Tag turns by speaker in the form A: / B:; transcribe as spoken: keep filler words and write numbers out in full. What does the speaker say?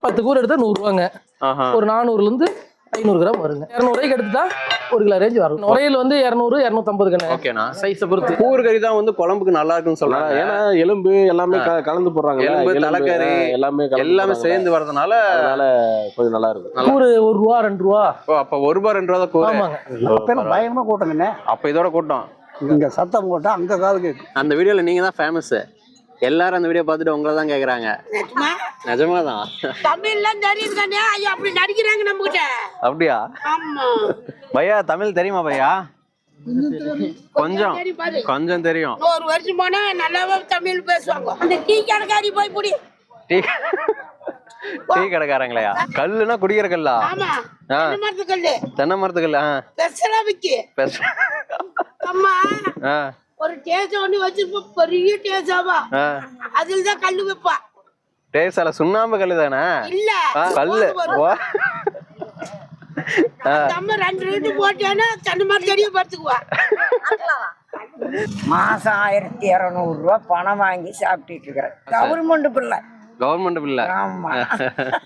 A: பத்து கூறு எடுத்தா நூறு ரூபாங்க. ஒரு நானூறுல இருந்து ஐநூறு கிராம் வருங்க. இருநூறு ரூபாய்க்கு எடுத்துட்டா ஒரு கிலோ ரேஞ்ச் வரும். நுரையில் வந்து இருநூறு இருநூத்தி ஐம்பது கண்ணு.
B: ஓகேண்ணா.
A: சைஸை பொறுத்து
B: கூறு கறி தான் வந்து குழம்புக்கு நல்லா இருக்குன்னு சொல்றாங்க.
C: ஏன்னா எலும்பு எல்லாமே கலந்து போடுறாங்க.
B: எலும்பு தலைக்கறி
C: எல்லாமே
B: எல்லாமே சேர்ந்து வரதுனால
C: அதனால கொஞ்சம் நல்லா இருக்கும்.
A: கூறு ஒரு ரூபா ரெண்டு ரூபா.
B: ஓ அப்ப ஒரு ரூபா ரெண்டு ரூபா கூறு.
D: ஆமாங்க. பயங்கரமா கூட்டங்கண்ணே.
B: அப்ப இதோட கூட்டம்.
D: இங்க சத்தம் போட்டா அங்க காது கேட்கும்.
B: அந்த வீடியோல நீங்க தான் ஃபேமஸ். எல்லாரும் அந்த வீடியோ பார்த்துட்டு உங்களை தான் கேக்குறாங்க. நிஜமாதான்.
E: தமிழ்ல தெரியுது கண்ணே. ஐயோ அப்படி நடிக்கிறாங்க நம்ம கிட்ட.
B: அப்படியா?
E: ஆமா.
B: பையா தமிழ் தெரியுமா பையா? கொஞ்சம் கொஞ்சம் தெரியும்.
E: ஒரு வருஷம் போனா நல்லாவே தமிழ் பேசுவாங்க. அந்த டீ கடைக்காரி போய் புடி.
B: Tea tea கடைக்காரங்களையா? கல்லுனா குடிக்கிற கல்லா?
E: ஆமா. தென்னை மரத்து கல்லு.
B: தென்னை மரத்து கல்லு.
E: பெருசா விக்கி. அம்மா ஒரு டேஸ் ஒண்ணு வச்சிருப்போம். பெரிய டேஸாவா அதுல தான் கல்லு வைப்பா.
B: டேஸால சுண்ணாம்பு கல்லு தானே?
E: இல்ல
B: கல்லு.
E: நம்ம ரெண்டு ரெண்டு போட்டேன்னா தென்னை மரத்து அடியே படுத்துக்குவா.
F: மாசம் ஆயிரத்தி இருநூறு ரூபாய் பணம் வாங்கி சாப்பிட்டுட்டு இருக்கிறேன். கவர்மெண்ட் பிள்ளை.
B: கவர்மெண்ட் பிள்ளை.
F: ஆமா.